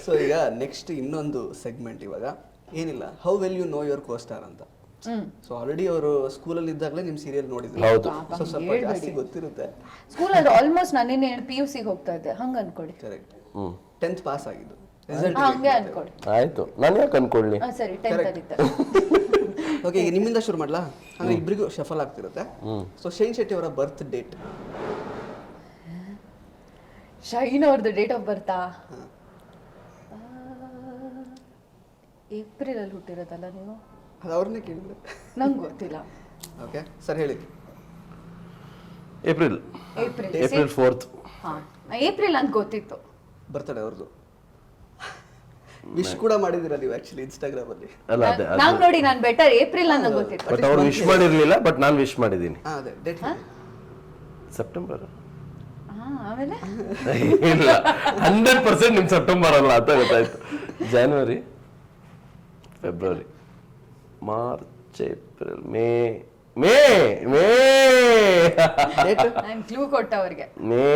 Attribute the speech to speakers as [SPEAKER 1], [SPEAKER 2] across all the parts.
[SPEAKER 1] So ಈಗ next ಇನ್ನೊಂದು segment ಇವಾಗ ಏನಿಲ್ಲ, how well you know your costar ಅಂತ. ಸೊ ಆಲ್ರೆಡಿ ಅವರು ಸ್ಕೂಲಲ್ಲಿ ಇದ್ದಾಗಲೇ ನಿಮ್ಮ ಸೀರಿಯಲ್ ನೋಡಿದ್ರು, ಸೊ ಸ್ವಲ್ಪ ಜಾಸ್ತಿ ಗೊತ್ತಿರುತ್ತೆ.
[SPEAKER 2] ಸ್ಕೂಲಲ್ಲಿ ಆಲ್ಮೋಸ್ಟ್ ನಾನು PUC ಹೋಗ್ತಾ ಇದ್ದೆ, ಹಂಗ ಅನ್ಕೊಡಿ.
[SPEAKER 1] ಕರೆಕ್ಟ್. 10th ಪಾಸ್ ಆಗಿದ್ದು, ರಿಸಲ್ಟ್
[SPEAKER 2] ಹಂಗೆ ಅನ್ಕೊಡಿ.
[SPEAKER 3] ಆಯ್ತು, ನಾನು ಯಾಕೆ ಅನ್ಕೊಳ್ಳಿ.
[SPEAKER 2] ಸರಿ 10th ಅಲ್ಲಿದ್ದೆ.
[SPEAKER 1] ಓಕೆ, ಈಗ ನಿಮ್ಮಿಂದ ಶುರು ಮಾಡ್ಲಾ? ಅಂದ್ರೆ ಇಬ್ಬರಿಗೂ ಶಫಲ್ ಆಗ್ತಿರುತ್ತೆ. ಸೊ ಶೈನ್ ಶೆಟ್ಟಿ ಅವರ ಬರ್ತ್ ಡೇಟ್.
[SPEAKER 2] ಶೈನ್ ಅವ್ರದ್ದು ಡೇಟ್ ಆಫ್ ಬರ್ತಾ ಏಪ್ರಿಲ್ ಅಲ್ಲಿ ಹುಟ್ಟಿರೋದಲ್ಲ ನೀವು?
[SPEAKER 1] ಅದು ಅವ್ರನ್ನೇ ಕೇಳಿದ್ರೆ
[SPEAKER 2] ನಂಗೆ ಗೊತ್ತಿಲ್ಲ.
[SPEAKER 1] ಓಕೆ ಸರ್, ಹೇಳಿ.
[SPEAKER 3] April 4th.
[SPEAKER 2] ಏಪ್ರಿಲ್ ಅಂತ ಗೊತ್ತಿತ್ತು.
[SPEAKER 1] ಬರ್ತಡೆ ಅವ್ರದ್ದು. ವಿಶ್ ಕೂಡ ಮಾಡಿದಿರ ನೀವು ಆಕ್ಚುಲಿ ಇನ್ಸ್ಟಾಗ್ರಾಮ್ ಅಲ್ಲಿ.
[SPEAKER 3] ಅಲ್ಲ ಅದೇ
[SPEAKER 2] ನಾನ್ ನೋಡಿ, ನಾನು ಬೆಟರ್ ಏಪ್ರಿಲ್ ಅಂತ ಗೊತ್ತಿತ್ತು.
[SPEAKER 3] ಬಟ್ ಅವ್ರು ವಿಶ್ ಮಾಡಿರ್ಲಿಲ್ಲ, ಬಟ್ ನಾನು ವಿಶ್ ಮಾಡಿದ್ದೀನಿ.
[SPEAKER 1] ಅದೇ ಡೇಟ್
[SPEAKER 3] ಸೆಪ್ಟೆಂಬರ್.
[SPEAKER 2] ಆಮೇಲೆ
[SPEAKER 3] ಇಲ್ಲ, 100% ನಿಮ್ ಸೆಪ್ಟೆಂಬರ್ ಅಲ್ಲ ಅಂತ ಗೊತ್ತಾಯ್ತು. January, February, March, April, May
[SPEAKER 2] ನಾನು ಕ್ಲೂ ಕೊಟ್ಟ ಅವ್ರಿಗೆ.
[SPEAKER 3] ಮೇ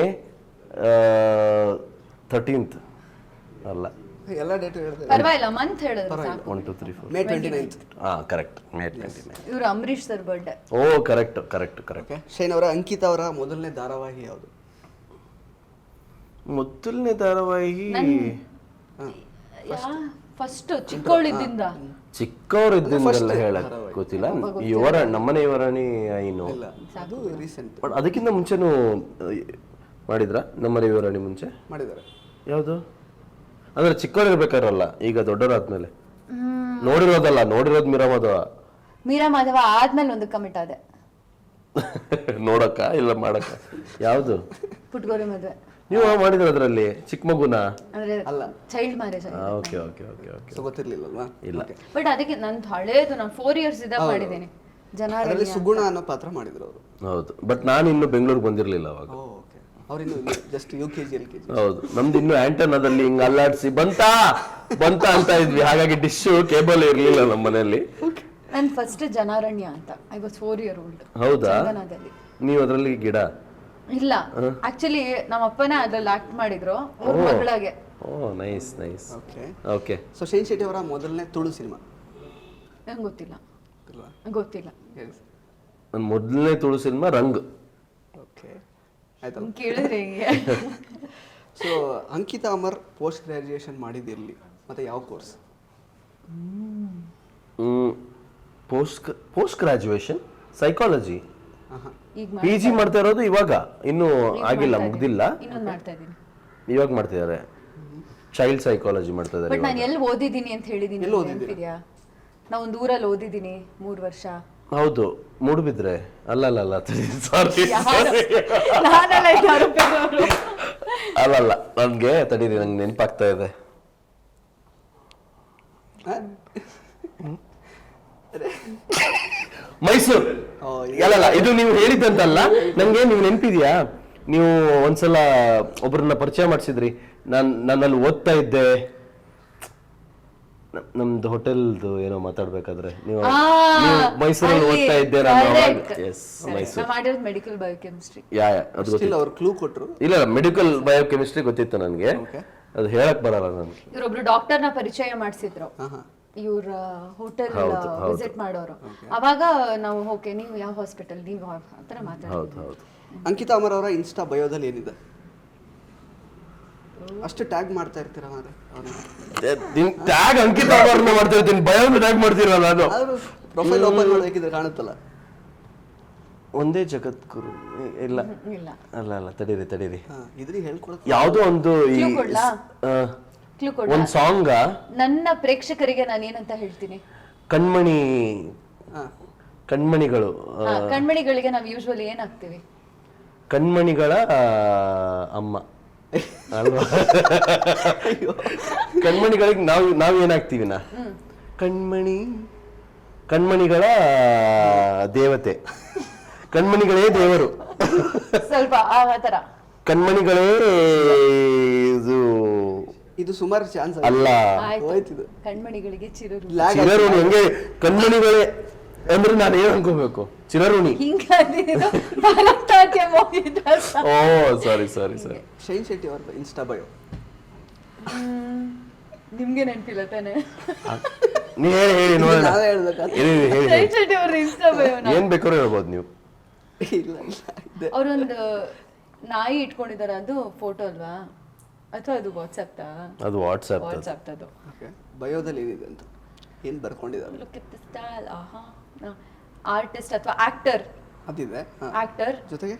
[SPEAKER 3] 13th ಅಲ್ಲ,
[SPEAKER 1] ಎಲ್ಲ ಡೇಟ್ ಹೇಳಿದ್ರೆ
[SPEAKER 2] ಪರವಾಗಿಲ್ಲ, ಮಂತ್ ಹೇಳಿದ್ರೆ ಸಾಕು.
[SPEAKER 3] 1 2 3 4
[SPEAKER 1] ಮೇ 29th.
[SPEAKER 3] Correct, May 29.
[SPEAKER 2] ಇವರು Ambareesh sir birthday.
[SPEAKER 3] Oh correct.
[SPEAKER 1] Okay, Shine ಅವರ ಅಂಕಿತಾ ಅವರ ಮೊದಲನೇ ಧಾರಾವಾಹಿ ಯಾವುದು?
[SPEAKER 3] ಮೊದಲನೇ ಧಾರಾವಾಹಿ
[SPEAKER 2] ಫಸ್ಟ್ ಚಿಕ್ಕವಳಿದ್ದಿಂದ.
[SPEAKER 3] ಚಿಕ್ಕವರಿದ್ದಿಂದಲ್ಲ ಹೇಳಕ್ ಗೊತ್ತಿಲ್ಲ. ನಮ್ಮನೆ ಯುವರಾಣಿ ಏನು,
[SPEAKER 1] ಅದು ರೀಸೆಂಟ್.
[SPEAKER 3] ಬಟ್ ಅದಕ್ಕಿಂತ ಮುಂಚೆನೂ ಮಾಡಿದ್ರ? ನಮ್ಮನೆ ಯುವರಾಣಿ ಮುಂಚೆ
[SPEAKER 1] ಮಾಡಿದ್ದಾರೆ.
[SPEAKER 3] ಯಾವುದು ಅಂದ್ರೆ ಚಿಕ್ಕವರಿರ್ಬೇಕಾರಲ್ಲ, ಈಗ ದೊಡ್ಡವರಾದ್ಮೇಲೆ ನೋಡಿರೋದಲ್ಲ, ನೋಡಿರೋದು ಮೀರಾ ಮಾಧವ
[SPEAKER 2] ಆದ್ಮೇಲೆ ಒಂದು ಕಮಿಟ್ ಆದೆ.
[SPEAKER 3] ನೋಡಕ್ಕ ಇಲ್ಲ ಮಾಡಕ್ಕ? ಯಾವ್ದು?
[SPEAKER 2] ಪುಟ್ಗೋರಿ ಮದ್ವೆ.
[SPEAKER 3] ನೀವು ಮಾಡಿದ್ರ ಅದ್ರಲ್ಲಿ ಚಿಕ್ಕ ಮಗುನ?
[SPEAKER 1] ಅಲ್ಲ,
[SPEAKER 2] child marriage.
[SPEAKER 3] Okay okay okay okay.
[SPEAKER 1] So ಗೊತ್ತಿರ್ಲಿಲ್ಲಲ್ವಾ?
[SPEAKER 3] ಇಲ್ಲ.
[SPEAKER 2] ಬಟ್ ಅದಕ್ಕೆ ನಂದು ಹಳೇದು, ನಾನು 4 years ಇದ್ದಾಗ ಮಾಡಿದ್ದೀನಿ.
[SPEAKER 1] ಅದರಲ್ಲಿ ಸುಗುಣ ಅನ್ನೋ ಪಾತ್ರ ಮಾಡಿದ್ರು ಅವರು.
[SPEAKER 3] ಹೌದು, ಬಟ್ ನಾನು ಇನ್ನು ಬೆಂಗಳೂರಿಗೆ ಬಂದಿರ್ಲಿಲ್ಲ ಅವಾಗ.
[SPEAKER 1] ಓಕೆ, ಅವ್ರಿನ್ನು ಜಸ್ಟ್ UKG LKG.
[SPEAKER 3] ಹೌದು, ನಮ್ದು ಇನ್ನು ಆಂಟನಾದಲ್ಲಿ ಹಿಂಗ್ ಅಲ್ಲಾಡ್ಸಿ ಬಂತ ಅಂತ ಇದ್ವಿ, ಹಾಗಾಗಿ ಡಿಶ್ ಕೇಬಲ್ ಇರ್ಲಿಲ್ಲ ನಮ್ಮ ಮನೆಯಲ್ಲಿ.
[SPEAKER 2] ನನ್ ಫಸ್ಟ್ ಜನಾರಣ್ಯ ಅಂತ, ಐ ವಾಸ್ 4 year old.
[SPEAKER 3] ಹೌದಾ? ನೀವು ಅದ್ರಲ್ಲಿ ಗಿಡ?
[SPEAKER 2] ಇಲ್ಲ, ಆಕ್ಚುಲಿ ನಮ್ಮ ಅಪ್ಪನೇ ಅದ್ರಲ್ಲಿ ಆಕ್ಟ್ ಮಾಡಿದ್ರು ಅವ್ರ ಮಗಳಾಗೆ.
[SPEAKER 3] Oh nice nice.
[SPEAKER 1] Okay
[SPEAKER 3] okay.
[SPEAKER 1] So Shine Shetty ಅವರ ಮೊದಲನೇ ತುಳು ಸಿನಿಮಾ?
[SPEAKER 2] ನಂಗೆ ಗೊತ್ತಿಲ್ಲ.
[SPEAKER 3] ನನ್ನ ಮೊದಲನೇ ತುಳು ಸಿನಿಮಾ ರಂಗ್.
[SPEAKER 1] ಓಕೆ, ಆಯ್ತಲ್ಲ,
[SPEAKER 2] ಕೇಳಿದ್ರೆ ಹೆಂಗೆ?
[SPEAKER 1] So Ankita Amar post graduation ಮಾಡಿದಿರಲಿ ಮತ್ತೆ ಯಾವ course?
[SPEAKER 3] Post graduation psychology. PG ಮಾಡ್ತಾ ಇರೋದು ಇವಾಗ, ಇನ್ನು ಆಗಿಲ್ಲ, ಮುಗ್ದಿಲ್ಲ. ಇವಾಗ ಮಾಡ್ತಿದ್ದಾರೆ, ಚೈಲ್ಡ್ ಸೈಕಾಲಜಿ ಮಾಡ್ತಾ ಇದ್ದಾರೆ.
[SPEAKER 2] ಬಟ್ ನಾನು ಎಲ್ಲಿ ಓದಿದ್ದೀನಿ ಅಂತ ಹೇಳಿದೀನಿ, ನೆನಪಿದ್ಯಾ? ನಾ ಒಂದು ಊರಲ್ಲಿ ಓದಿದ್ದೀನಿ 3 ವರ್ಷ.
[SPEAKER 3] ಹೌದು, ಮೂಡುಬಿದ್ರೆ. ಅಲ್ಲ ಸಾರಿ, ಅಲ್ಲಲ್ಲ, ನನ್ಗೆ ತಡೀರಿ, ನಂಗೆ ನೆನಪಾಗ್ತಾ ಇದೆ. ಮೈಸೂರು. ಅಲ್ಲಲ್ಲ, ಇದು ನೀವು ಹೇಳಿದ್ದಂತಲ್ಲ, ನಂಗೆ ನೀವು ನೆನಪಿದ್ಯಾ? ನೀವು ಒಂದ್ಸಲ ಒಬ್ರನ್ನ ಪರಿಚಯ ಮಾಡಿಸಿದ್ರಿ, ನನ್ನಲ್ಲಿ ಓದ್ತಾ ಇದ್ದೆ, ನಮ್ದು ಹೋಟೆಲ್ದು ಏನೋ ಮಾತಾಡ್ಬೇಕಾದ್ರೆ ನೀವು ಮೈಸೂರಲ್ಲಿ ಓದ್ತಾ ಇದ್ದೆ.
[SPEAKER 2] Medical biochemistry.
[SPEAKER 1] ಅವ್ರು ಕ್ಲೂ ಕೊಟ್ರು.
[SPEAKER 3] ಇಲ್ಲ, ಮೆಡಿಕಲ್ ಬಯೋಕೆಮಿಸ್ಟ್ರಿ ಗೊತ್ತಿತ್ತು ನನಗೆ, ಅದು ಹೇಳಕ್ ಬರಲ್ಲ ನನಗೆ.
[SPEAKER 2] ಇವರೊಬ್ರು ಡಾಕ್ಟರ್ನ ಪರಿಚಯ ಮಾಡಿಸಿದ್ರು, ಇವ್ರ ಹೋಟೆಲ್ ವಿಸಿಟ್ ಮಾಡೋರು. ಅವಾಗ ನಾವು ಓಕೆ, ನೀವು ಯಾವ ಹಾಸ್ಪಿಟಲ್, ನೀವು ಆತರ ಮಾತಾಡ್ತೀವಿ.
[SPEAKER 1] ಅಂಕಿತಾ ಅಮರ್ ಅವರ ಇನ್ಸ್ಟಾ ಬಯೋದಲ್ಲಿ ಏನಿದೆ? ಅಷ್ಟು ಟ್ಯಾಗ್ ಮಾಡ್ತಾ ಇರ್ತೀರಾ?
[SPEAKER 3] ಟ್ಯಾಗ್ ಅಂಕಿತಾ ಅಮರ್ನ ಮಾಡ್ತಾ ಇರ್ತೀನಿ, ಬಯೋನ ಟ್ಯಾಗ್ ಮಾಡ್ತೀರಾ? ನಾನು
[SPEAKER 1] ಪ್ರೊಫೈಲ್ ಓಪನ್ ಮಾಡಬೇಕಿದ್ರೆ ಕಾಣುತ್ತಲ್ಲ,
[SPEAKER 3] ಒಂದೇ ಜಗದ್ಗುರು. ಇಲ್ಲ ಅಲ್ಲ, ತಡೀರಿ
[SPEAKER 1] ಇದ್ರಿಗೆ ಹೇಳ್ಕೊಡಕ್ಕೆ
[SPEAKER 3] ಯಾವುದೋ ಒಂದು ಒಂದ್ ಸಾಂಗ್.
[SPEAKER 2] ನನ್ನ ಪ್ರೇಕ್ಷಕರಿಗೆ ನಾನು ಏನಂತ ಹೇಳ್ತೀನಿ,
[SPEAKER 3] ಕಣ್ಮಣಿಗಳು.
[SPEAKER 2] ಕಣ್ಮಣಿಗಳಿಗೆ ನಾವು ಯೂಶುವಲಿ ಏನ್ ಹಾಕ್ತೀವಿ?
[SPEAKER 3] ಕಣ್ಮಣಿಗಳ ಅಮ್ಮ ಅಲ್ವಾ? ಕಣ್ಮಣಿಗಳಿಗೆ ನಾವ್ ಏನಾಗ್ತೀವಿ? ಕಣ್ಮಣಿಗಳ ದೇವತೆ, ಕಣ್ಮಣಿಗಳೇ ದೇವರು.
[SPEAKER 2] ಸ್ವಲ್ಪ ಆ ತರ
[SPEAKER 3] ಕಣ್ಮಣಿಗಳೇ
[SPEAKER 1] ಇದು ಸುಮಾರು ಚಾನ್ಸ್
[SPEAKER 3] ಅಲ್ಲ.
[SPEAKER 2] ಕಣ್ಮಣಿಗಳಿಗೆ
[SPEAKER 3] ಚಿರಋಣಿ. ಹೆಂಗೆ ಕಣ್ಮಣಿಗಳೇ ಅಂದ್ರೆ ನಾನು ಏನ್ ಅನ್ಕೋಬೇಕು? ಚಿರಋಣಿ.
[SPEAKER 2] ಓ
[SPEAKER 3] ಸಾರಿ.
[SPEAKER 1] ಶೈನ್ ಶೆಟ್ಟಿ ಅವರ ಇನ್ಸ್ಟಾ ಬಯೋ
[SPEAKER 2] ನಿಮ್ಗೆ ನೆನಪಿಲ್ಲ ತಾನೆ
[SPEAKER 3] ನೀ ಹೇಳಿ ನೋಡೋಣ.
[SPEAKER 1] ನಾವೇ ಹೇಳ್ಬೇಕಾ?
[SPEAKER 3] ಹೇಳಿ
[SPEAKER 2] ಶೈನ್ ಶೆಟ್ಟಿ ಅವ್ರ ಇನ್ಸ್ಟಾ
[SPEAKER 3] ಏನ್ ಬೇಕಾದ್ರೂ ಹೇಳ್ಬೋದು ನೀವು.
[SPEAKER 1] ಇಲ್ಲ ಇದೆ.
[SPEAKER 2] ಅವ್ರೊಂದು ನಾಯಿ ಇಟ್ಕೊಂಡಿದಾರೆ, ಅದು ಫೋಟೋ ಅಲ್ವಾ ಅಥವಾ ಅದು ವಾಟ್ಸ್ಆಪ್
[SPEAKER 3] ಅದು ವಾಟ್ಸ್ಆಪ್.
[SPEAKER 2] ಅದು
[SPEAKER 1] ಓಕೆ, ಬಯೋದಲ್ಲಿ ಏನಿದೆ ಅಂತ ಏನು ಬರ್ಕೊಂಡಿದ್ದಾರೆ?
[SPEAKER 2] Look at the style. ಆಹಾ, ಆರ್ಟಿಸ್ಟ್ ಅಥವಾ ಆಕ್ಟರ್.
[SPEAKER 1] ಅದಿದೆ.
[SPEAKER 2] ಆಕ್ಟರ್
[SPEAKER 1] ಜೊತೆಗೆ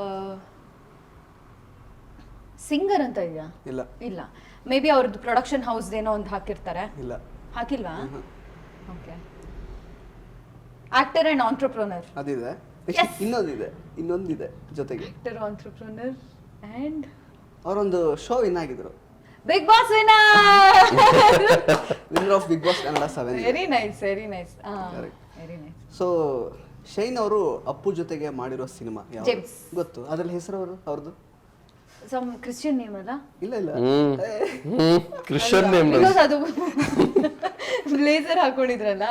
[SPEAKER 2] ಸಿಂಗರ್ ಅಂತ ಇದೆಯಾ?
[SPEAKER 1] ಇಲ್ಲ
[SPEAKER 2] ಇಲ್ಲ, ಮೇ ಬಿ ಅವ್ರದ್ದು ಪ್ರೊಡಕ್ಷನ್ ಹೌಸ್ ಏನೋ ಒಂದು ಹಾಕಿರ್ತಾರೆ.
[SPEAKER 1] ಇಲ್ಲ
[SPEAKER 2] ಹಾಕಿಲ್ವಾ? ಓಕೆ. Actor and entrepreneur.
[SPEAKER 1] ಅದಿದೆ. ಇನ್ನೊಂದಿದೆ ಜೊತೆಗೆ.
[SPEAKER 2] ಆಕ್ಟರ್, ಆಂಟ್ರಪ್ರನರ್ ಅಂಡ್
[SPEAKER 1] ಅವರೊಂದು ಶೋ ವಿನ್ ಆಗಿದ್ರು,
[SPEAKER 2] big boss winner.
[SPEAKER 1] Winner of big boss Kannada 7.
[SPEAKER 2] Very nice, very nice. Very nice.
[SPEAKER 1] So Shine ಅವರು ಅಪ್ಪು ಜೊತೆಗೆ ಮಾಡಿರೋ ಸಿನಿಮಾ
[SPEAKER 2] ಜೇಮ್ಸ್.
[SPEAKER 1] ಗೊತ್ತು, ಅದ್ರಲ್ಲಿ ಹೆಸರು ಅವ್ರದ್ದು
[SPEAKER 2] ಸಮ್ ಕ್ರಿಶ್ಚಿಯನ್ ನೇಮ್ ಅಲ್ಲ?
[SPEAKER 1] ಇಲ್ಲ ಇಲ್ಲ
[SPEAKER 3] ಕ್ರಿಶ್ಚಿಯನ್ ನೇಮ್.
[SPEAKER 2] ಬಿಕಾಸ್ ಅದು ಬ್ಲೇಸರ್ ಹಾಕೊಂಡಿದ್ರಲ್ಲ.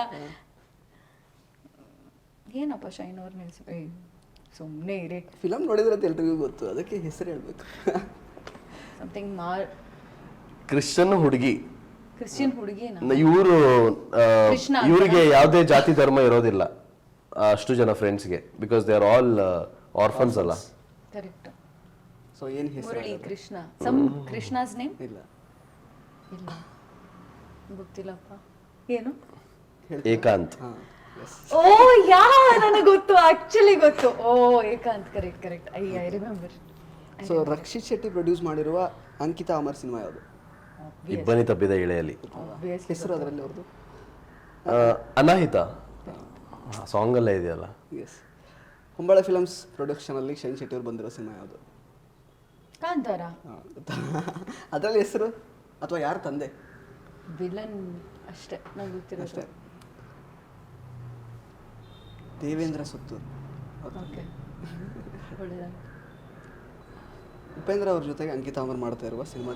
[SPEAKER 2] ಏನಪ್ಪ ಶೈನ್ ಅವ್ರ ನಿಲ್ಸಿ ಸುಮ್ಮನೆ ಇರಿ.
[SPEAKER 1] ಫಿಲಮ್ ನೋಡಿದ್ರೆ ಅಂತ ಎಲ್ರಿಗೂ ಗೊತ್ತು, ಅದಕ್ಕೆ ಹೆಸರು ಹೇಳ್ಬೇಕು.
[SPEAKER 2] ಸಮಥಿಂಗ್
[SPEAKER 3] ಕ್ರಿಶ್ಚಿಯನ್ ಹುಡುಗಿ,
[SPEAKER 2] ಕ್ರಿಶ್ಚಿಯನ್ ಹುಡುಗಿನ.
[SPEAKER 3] ಇವರು
[SPEAKER 2] ಕೃಷ್ಣ ಅಂತ?
[SPEAKER 3] ಇವರಿಗೆ ಯಾವುದೇ ಜಾತಿ ಧರ್ಮ ಇರೋದಿಲ್ಲ ಅಷ್ಟು ಜನ ಫ್ರೆಂಡ್ಸ್ಗೆ, because they are all orphans ಅಲ್ಲ.
[SPEAKER 2] ಕರೆಕ್ಟ್.
[SPEAKER 1] ಸೊ ಏನು ಹೆಸರು?
[SPEAKER 2] ಮುರಳಿ ಕೃಷ್ಣ. ಸಮ್ ಕೃಷ್ಣಾಸ್ ನೇಮ್
[SPEAKER 1] ಇಲ್ಲ
[SPEAKER 2] ಇಲ್ಲ, ಗೊತ್ತಿಲ್ಲಪ್ಪ. ಏನು?
[SPEAKER 3] ಏಕಾಂತ್.
[SPEAKER 1] ಹಾಂ, ಎಸ್.
[SPEAKER 2] ಓ ಯಾ, ನನಗೆ ಗೊತ್ತು, ಆಕ್ಚುಲಿ ಗೊತ್ತು. Oh Ekanth, correct correct. I remember.
[SPEAKER 1] So Rakshit Shetty produce ಮಾಡಿರುವ ಅಂಕಿತಾ ಅಮರ್ ಸಿನಿಮಾ ಯಾವುದು?
[SPEAKER 3] ಇಬ್ಬನಿ ತಪ್ಪಿದ ಇಳೆಯಲ್ಲಿ.
[SPEAKER 1] ಹೆಸರು ಅದರಲ್ಲಿ ಅವ್ರದ್ದು?
[SPEAKER 3] ಅನಾಹಿತ ಸಾಂಗ್ ಅಲ್ಲೇ ಇದೆಯಲ್ಲ.
[SPEAKER 1] ಎಸ್. ಹೊಂಬಾಳೆ ಫಿಲಮ್ಸ್ ಪ್ರೊಡಕ್ಷನಲ್ಲಿ ಶೈನ್ ಶೆಟ್ಟಿ ಅವ್ರು ಬಂದಿರೋ ಸಿನಿಮಾ ಯಾವುದು?
[SPEAKER 2] ಕಾಂತಾರ.
[SPEAKER 1] ಅದರಲ್ಲಿ ಹೆಸರು ಅಥವಾ ಯಾರು ತಂದೆ?
[SPEAKER 2] ವಿಲನ್ ಅಷ್ಟೇ ನಂಗೆ ಗೊತ್ತಿರೋದು.
[SPEAKER 1] ಅಷ್ಟೇ. ದೇವೇಂದ್ರ ಸುತ್ತೂರು.
[SPEAKER 2] ಓಕೆ, ಒಳ್ಳೆದಾಯ್ತು.
[SPEAKER 1] ಉಪೇಂದ್ರ ಅವ್ರ ಜೊತೆಗೆ ಅಂಕಿತಾ ಅಮರ್ ಮಾಡ್ತಾ ಇರುವ ಸಿನಿಮಾದ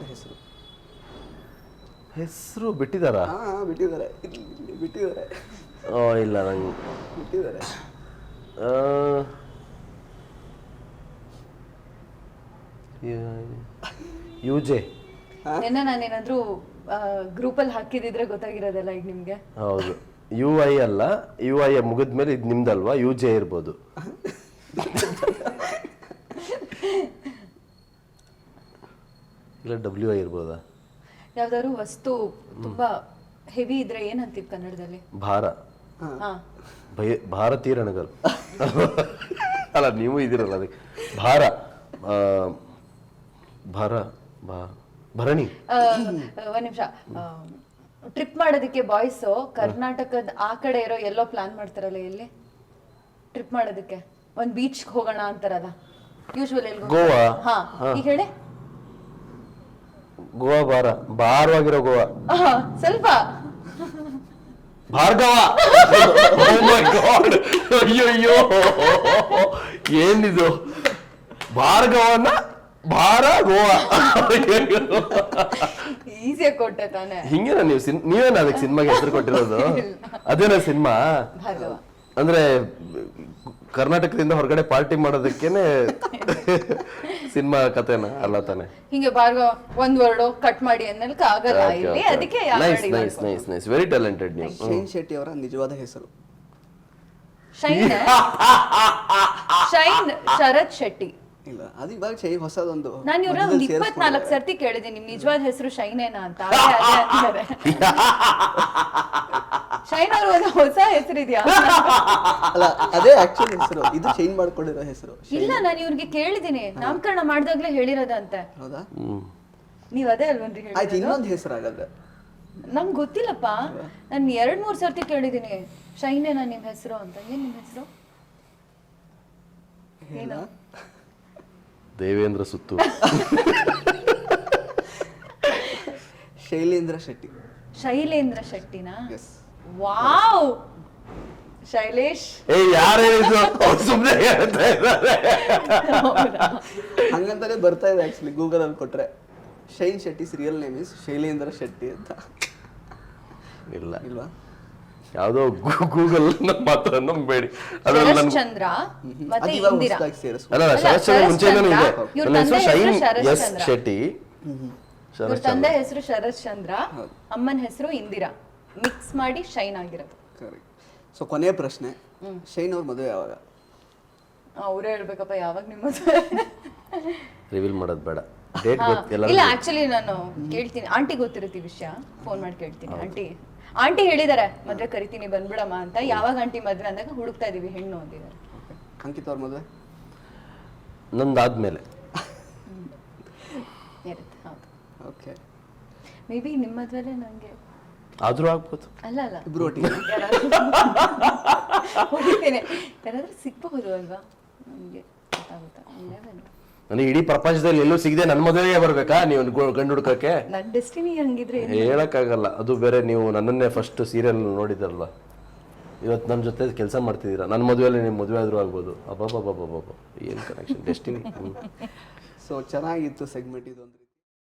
[SPEAKER 3] ಹೆಸರು ಬಿಟ್ಟಿದಾರಾ?
[SPEAKER 1] ಬಿಟ್ಟಿದ್ದಾರೆ.
[SPEAKER 3] ಇಲ್ಲ ನಂಗೆ
[SPEAKER 1] ಬಿಟ್ಟಿದ್ದಾರೆ.
[SPEAKER 3] ಯುಜೆ.
[SPEAKER 2] ನಿನ್ನೆ ನಾನೇನಾದ್ರೂ ಗ್ರೂಪಲ್ಲಿ ಹಾಕಿದಿದ್ರೆ ಗೊತ್ತಾಗಿರೋದಲ್ಲ ಈಗ ನಿಮ್ಗೆ.
[SPEAKER 3] ಹೌದು, UI ಅಲ್ಲ, UI ಮುಗಿದ್ಮೇಲೆ ಇದು ನಿಮ್ದಲ್ವಾ, UJ ಇರ್ಬೋದು. ಇಲ್ಲ WI ಇರ್ಬೋದಾ?
[SPEAKER 2] ಯಾವ್ದಾದ್ರು ವಸ್ತು ತುಂಬಾ ಹೆವಿ ಇದ್ರೆ ಏನ್ ಅಂತೀವಿ ಕನ್ನಡದಲ್ಲಿ?
[SPEAKER 3] ಭಾರ.
[SPEAKER 2] ಹಾ,
[SPEAKER 3] ಭಾರತೀಯ ರಣಗಲ್. ಅಲ್ಲ, ನೀವು ಇದಿರಲ್ಲ ಅದಕ್ಕೆ. ಭಾರ, ಭಾರ, ಭರಣಿ.
[SPEAKER 2] ಒಂದ್ ನಿಮಿಷ. ಟ್ರಿಪ್ ಮಾಡೋದಕ್ಕೆ ಬಾಯ್ಸ್ ಕರ್ನಾಟಕದ ಆ ಕಡೆ ಇರೋ ಎಲ್ಲೋ ಪ್ಲಾನ್ ಮಾಡ್ತಾರಲ್ಲ, ಎಲ್ಲಿ ಟ್ರಿಪ್ ಮಾಡೋದಕ್ಕೆ? ಒಂದ್ ಬೀಚ್ ಹೋಗೋಣ ಅಂತಾರಲ್ಲ ಯೂಶುವಲಿ.
[SPEAKER 3] ಗೋವಾ.
[SPEAKER 2] ಹಾ, ಈಗ ಹೇಳಿ.
[SPEAKER 3] ಗೋವಾ, ಭಾರವಾಗಿರೋ ಗೋವಾ.
[SPEAKER 2] ಸ್ವಲ್ಪ
[SPEAKER 3] ಭಾರ್ಗವ. ಅಯ್ಯಯ್ಯೋ, ಏನಿದು ಭಾರ್ಗವನ ಭಾರ ಗೋವಾ.
[SPEAKER 2] ಈಸಿಯಾಗಿ ಕೊಟ್ಟೆ ತಾನೆ.
[SPEAKER 3] ಹಿಂಗೇನ ನೀವೇನ ಅದಕ್ಕೆ ಸಿನಿಮಾಗೆ ಹೆಸರು ಕೊಟ್ಟಿರೋದು? ಅದೇನ ಸಿನಿಮಾ
[SPEAKER 2] ಭಾರ್ಗವ
[SPEAKER 3] ಅಂದ್ರೆ ಕರ್ನಾಟಕದಿಂದ ಹೊರಗಡೆ ಪಾರ್ಟಿ ಮಾಡೋದಕ್ಕೇನೆ ಸಿನಿಮಾ ಕಥೆನ ಅಲ್ಲ ತಾನೆ?
[SPEAKER 2] ಹಿಂಗೆ ಭಾರ್ಗವ ಒಂದ್ ವರ್ಡ್ ಕಟ್ ಮಾಡಿ ಅನ್ನಲ್ಕ ಆಗಲ್ಲ ಇಲ್ಲಿ, ಅದಕ್ಕೆ
[SPEAKER 3] ನೈಸ್, ವೆರಿ ಟ್ಯಾಲೆಂಟೆಡ್ ನೀವು.
[SPEAKER 1] ಶೈನ್ ಶೆಟ್ಟಿ ಅವರ ನಿಜವಾದ ಹೆಸರು?
[SPEAKER 2] ಶೈನ್ ಶರತ್ ಶೆಟ್ಟಿ.
[SPEAKER 1] ಇಲ್ಲ, ಅದು ಇವಾಗ ಶೈನ್ ಹೊಸದೊಂದು.
[SPEAKER 2] ನಾನು ಇವ್ರ ಒಂದ್ 24 ಸರ್ತಿ ಕೇಳಿದೆ ನಿಮ್ ನಿಜವಾದ ಹೆಸರು ಶೈನೇನಾ ಅಂತ. ಅದೇ ಶೈನ್ ಅವ್ರ ಒಂದು ಹೊಸ ಹೆಸರಿದ್ಯಾ?
[SPEAKER 1] ಅಲ್ಲ, ಅದೇ ಆಕ್ಚುಲಿ ಹೆಸರು, ಇದು ಚೇಂಜ್ ಮಾಡ್ಕೊಂಡಿರೋ ಹೆಸರು.
[SPEAKER 2] ಇಲ್ಲ, ನಾನು ಇವ್ರಿಗೆ ಕೇಳಿದೀನಿ, ನಾಮಕರಣ ಮಾಡ್ದಾಗ್ಲೇ ಹೇಳಿರೋದಂತೆ.
[SPEAKER 1] ಹೌದಾ?
[SPEAKER 2] ನೀವ್ ಅದೇ ಅಲ್ವನ್ರಿ
[SPEAKER 1] ಆಯ್ತು,
[SPEAKER 2] ಹೇಳಿ?
[SPEAKER 1] ಇನ್ನೊಂದು ಹೆಸರು ಆಗಲ್ಲ.
[SPEAKER 2] ನಂಗೆ ಗೊತ್ತಿಲ್ಲಪ್ಪ, ನಾನು 2-3 ಸರ್ತಿ ಕೇಳಿದೀನಿ ಶೈನೇನಾ ನಿಮ್ ಹೆಸರು ಅಂತ. ಏನ್ ನಿಮ್ ಹೆಸರು? ಏನು?
[SPEAKER 3] ದೇವೇಂದ್ರ ಸುತ್ತು.
[SPEAKER 1] ಶೈಲೇಂದ್ರ ಶೆಟ್ಟಿ.
[SPEAKER 2] ಶೈಲೇಂದ್ರ ಶೆಟ್ಟಿನಾ?
[SPEAKER 1] ಎಸ್.
[SPEAKER 2] ವಾವ್, ಶೈಲೇಶ್.
[SPEAKER 3] ಯಾರು ಹೇಳಿದ್ರು? ಸುಮ್ಮನೆ ಹೇಳ್ತಾ ಇದ್ದಾರೆ.
[SPEAKER 1] ಹಂಗಂತಾನೆ ಬರ್ತಾ ಇದೆ ಆಕ್ಚುಲಿ ಗೂಗಲ್ ಅಲ್ಲಿ ಕೊಟ್ರೆ. Shine Shetty's real name is Shailendra Shetty ಅಂತ.
[SPEAKER 3] ಇಲ್ಲ,
[SPEAKER 1] ಇಲ್ವಾ?
[SPEAKER 3] ಯಾವ್ದೋ ಗೂಗಲ್ ಮಾತ್ರ ನಂಬೇಡಿ.
[SPEAKER 2] ಶರತ್ ಚಂದ್ರ ಮತ್ತೆ ಇಂದಿರಾ.
[SPEAKER 3] ಅಲ್ಲ, ಶರತ್ ಚಂದ್ರ ಮುಂಚೆನೂ ಇದೆ. ನನ್ನ ಹೆಸರು ಶೈನ್ ಎಸ್ ಶೆಟ್ಟಿ.
[SPEAKER 2] ಇವ್ರ ತಂದೆ ಹೆಸರು ಶರತ್ ಚಂದ್ರ, ಅಮ್ಮನ ಹೆಸರು ಇಂದಿರಾ, ಮಿಕ್ಸ್ ಮಾಡಿ ಶೈನ್ ಆಗಿರೋದು.
[SPEAKER 1] ಕರೆಕ್ಟ್. ಸೊ ಕೊನೆಯ ಪ್ರಶ್ನೆ, ಶೈನ್ ಅವ್ರ ಮದುವೆ ಯಾವಾಗ?
[SPEAKER 2] ಅವರೇ ಹೇಳ್ಬೇಕಪ್ಪ ಯಾವಾಗ ನಿಮ್ಮ ಮದುವೆ.
[SPEAKER 3] ರಿವೀಲ್ ಮಾಡೋದು ಬೇಡ, ಡೇಟ್
[SPEAKER 2] ಇಲ್ಲ ಆಕ್ಚುಲಿ ನಾನು ಕೇಳ್ತೀನಿ, ಆಂಟಿ ಗೊತ್ತಿರುತ್ತೆ ಈ ವಿಷಯ, ಫೋನ್ ಮಾಡಿ ಕೇಳ್ತೀನಿ. ಆಂಟಿ ಹೇಳಿದಾರೆ ಮದ್ವೆ ಕರಿತೀನಿ ಬಂದ್ಬಿಡಮ್ಮ ಅಂತ. ಯಾವಾಗ ಆಂಟಿ ಮದ್ವೆ ಅಂದಾಗ ಹುಡುಕ್ತಾ ಇದೀವಿ ಹೆಣ್ಣು ಅಂದಿದ್ದಾರೆ.
[SPEAKER 1] ಅಂಕಿತ್ ಅವ್ರ ಮದುವೆ
[SPEAKER 3] ನಂದಾದ್ಮೇಲೆ
[SPEAKER 2] ಇರುತ್ತೆ. ಹೌದು.
[SPEAKER 1] ಓಕೆ.
[SPEAKER 2] ಮೇ ಬಿ ನಿಮ್ಮ ಮದ್ವೆಲೆ ನಂಗೆ
[SPEAKER 3] ಆದ್ರೂ ಆಗ್ಬೋದು.
[SPEAKER 2] ಅಲ್ಲ
[SPEAKER 1] ಇಬ್ರು ಒಟ್ಟಿಗೆ
[SPEAKER 2] ಹೊಡಿತೇನೆ, ಯಾರಾದ್ರೂ ಸಿಗ್ಬಹುದು ಅಲ್ವಾ, ನಮ್ಗೆ ಗೊತ್ತಾಗುತ್ತಾ.
[SPEAKER 3] ನನಗೆ ಇಡೀ ಪ್ರಪಂಚದಲ್ಲಿ ಎಲ್ಲೂ ಸಿಗದೆ ನನ್ನ ಮದುವೆಗೆ ಬರ್ಬೇಕಾ ನೀವು ಗಂಡು ಹುಡ್ಕಕ್ಕೆ?
[SPEAKER 2] ನನ್ನ ಡೆಸ್ಟಿನಿ ಹಂಗಿದ್ರೆ
[SPEAKER 3] ಹೇಳಕ್ಕಾಗಲ್ಲ. ಅದು ಬೇರೆ, ನೀವು ನನ್ನನ್ನೇ ಫಸ್ಟ್ ಸೀರಿಯಲ್ ನೋಡಿದ್ರಲ್ಲ, ಇವತ್ತು ನನ್ನ ಜೊತೆ ಕೆಲಸ ಮಾಡ್ತಿದ್ದೀರಾ. ನನ್ನ ಮದುವೆಯಲ್ಲಿ ನಿಮ್ಮ ಮದುವೆ ಆದ್ರೂ ಆಗ್ಬೋದು. ಅಬ್ಬಬ್ಬಬ್ಬಬ್ಬಬ್ಬ, ಏನು ಕನೆಕ್ಷನ್, ಡೆಸ್ಟಿನಿ.
[SPEAKER 1] ಸೊ ಚೆನ್ನಾಗಿತ್ತು ಸೆಗ್ಮೆಂಟ್ ಇದು ಅಂದ್ರೆ.